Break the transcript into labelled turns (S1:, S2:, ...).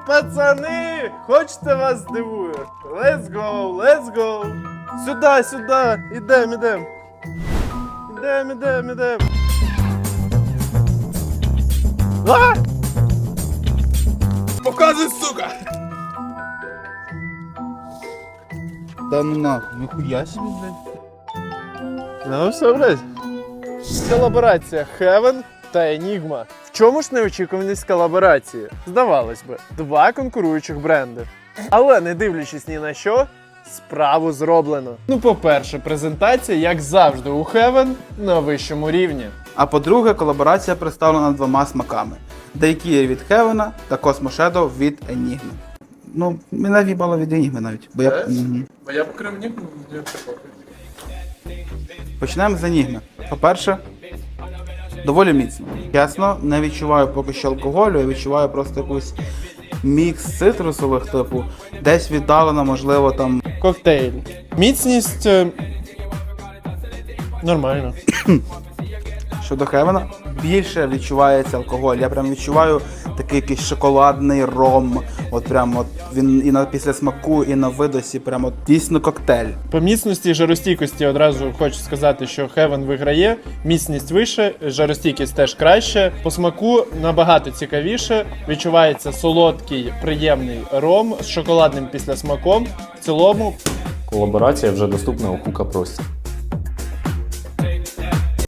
S1: пацани! Хочете вас здивую? Let's go, let's go! Сюди, сюди! Ідем. Ідем. А!
S2: Показуй, сука!
S3: Да ну нахуй, ніхуя собі, блядь.
S1: Ну все, блядь. Колаборація Heaven та Enigma. В чому ж неочікуваність колаборації? Здавалось би, два конкуруючих бренди. Але не дивлячись ні на що, справу зроблено. Ну, по-перше, презентація, як завжди, у Heaven на вищому рівні.
S3: А по-друге, колаборація представлена двома смаками. Daycare від Heaven та Cosmo Shadow від Enigma. Ну, мене в'їбало від Enigma навіть. Бо я...
S2: Бо я покрив Enigma, я похуй.
S3: Почнемо з Enigma. По-перше, доволі міцно. Чесно, не відчуваю поки що алкоголю, я відчуваю просто якийсь мікс цитрусових, типу, десь віддалено, можливо, там...
S1: Коктейль. Міцність... нормально.
S3: Щодо Heaven, більше відчувається алкоголь. Я прям відчуваю такий якийсь шоколадний ром. От прям от він і на після смаку, і на видосі, прям от дійсно коктейль.
S1: По міцності і жаростійкості одразу хочу сказати, що Heaven виграє. Міцність вище, жаростійкість теж краще. По смаку набагато цікавіше. Відчувається солодкий, приємний ром з шоколадним післясмаком. В цілому
S4: Колаборація вже доступна у Хука Прості.